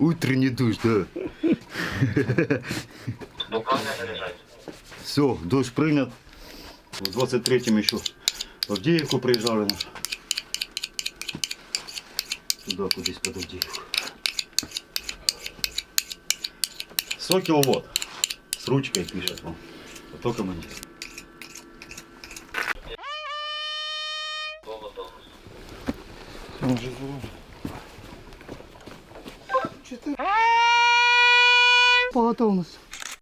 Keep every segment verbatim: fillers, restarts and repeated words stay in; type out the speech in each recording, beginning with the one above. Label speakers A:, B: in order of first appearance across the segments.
A: Утренний душ, да.
B: Буквально заряжать.
A: Все, дождь принят. В двадцать третьем еще в Авдеевку приезжали. Туда, кудись под Авдеевку. Сокел вот. С ручкой пишет вам. А то командир.
C: По готовності.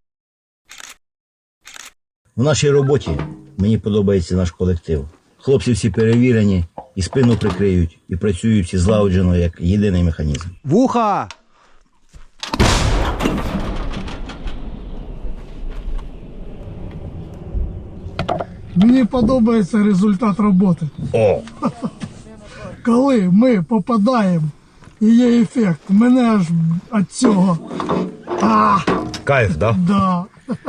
D: В нашій роботі мені подобається наш колектив. Хлопці всі перевірені, і спину прикриють, і працюють всі злагоджено, як єдиний механізм.
E: Вуха!
C: Мені подобається результат роботи.
D: О!
C: Коли ми попадаємо і є ефект, мене аж від цього. А,
D: Кайф, да?
C: да.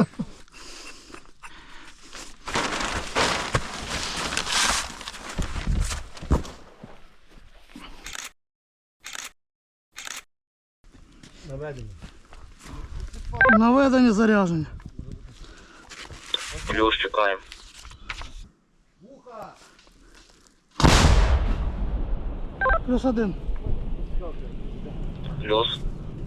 C: Наведення зарядження.
B: Плюс чекаємо.
C: Плюс один.
B: Плюс.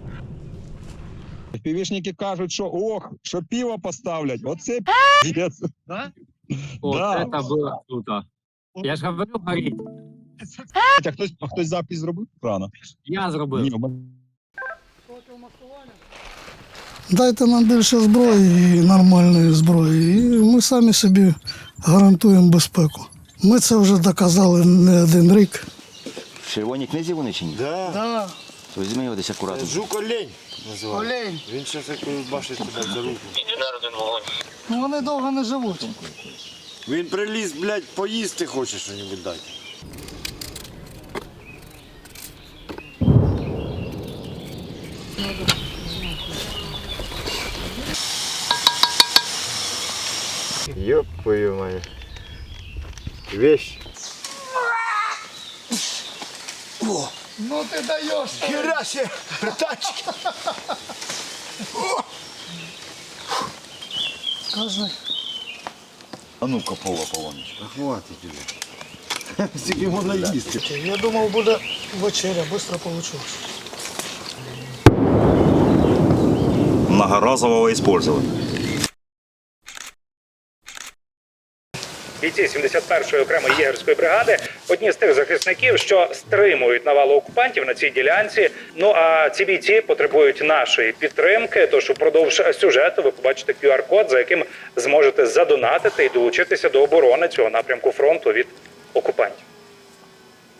F: Півішники кажуть, що ох, що пиво поставлять. Оце п'єць.
G: Да? О,
F: Да.
G: это было круто. Я ж говорю, горіть.
F: А хтось, а хтось запис зробив? Рано.
G: Я зробив.
F: Ні, у мене-
C: Дайте нам більше зброї і нормальної зброї, і ми самі собі гарантуємо безпеку. Ми це вже доказали не один рік.
D: В червоній книзі вони чи ні?
H: Да.
C: Да.
D: То візьми його десь акуратно.
H: Жук олень називається.
C: Олень.
H: Він зараз як бачить тебе за руку.
B: Інженер один вогонь.
C: Ну вони довго не живуть.
H: Він приліз, блядь, поїсти хоче що-небудь дати. Ёб твою мать. Вещь.
C: Ну ти даєш.
H: Хера себе, братанчик.
C: Скажи.
A: А ну-ка, Пова Полонич.
H: Хватить уже. Скільки можна їсти.
C: Я думав, буде вечеря, швидко вийшло.
A: Многоразового использовать.
I: Бійці сімдесят першої окремої єгерської бригади – одні з тих захисників, що стримують навалу окупантів на цій ділянці. Ну а ці бійці потребують нашої підтримки, тож упродовж сюжету ви побачите ку ар код, за яким зможете задонатити і долучитися до оборони цього напрямку фронту від окупантів.